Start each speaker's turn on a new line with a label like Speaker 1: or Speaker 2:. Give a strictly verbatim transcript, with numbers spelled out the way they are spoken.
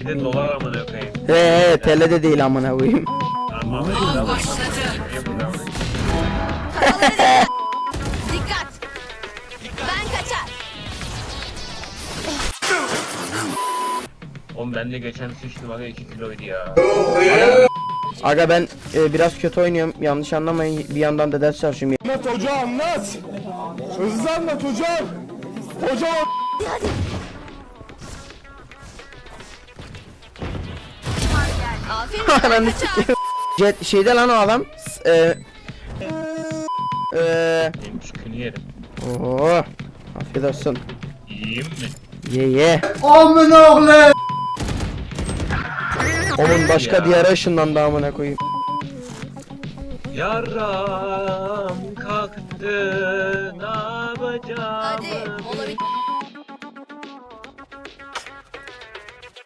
Speaker 1: Bir de dolar amına koyayım.
Speaker 2: He he T L'de değil amına koyayım.
Speaker 1: Tamam.
Speaker 3: Dikkat. Ben kaçar.
Speaker 1: Oğlum ben de geçen sıçtım aga iki kiloydu ya.
Speaker 2: Aga ben e, biraz kötü oynuyorum. Yanlış anlamayın. Bir yandan da ders çalışıyorum.
Speaker 4: Anlat hoca anlat. Hızlı anlat hocam. Hocam.
Speaker 3: Aferin.
Speaker 2: Ananı sikeyim. Jet şeyde lan o adam. S- E, e,
Speaker 1: Benim çükünü yerim.
Speaker 2: Oo. Afiyet olsun.
Speaker 1: Yiyeyim mi?
Speaker 2: Ye ye.
Speaker 4: Amin oğlum.
Speaker 2: Onun başka
Speaker 1: Ya.
Speaker 2: diyara ışınlandı amına koyayım.
Speaker 1: Yaram kalktı, ne yapacağım?
Speaker 3: Hadi mola bitti.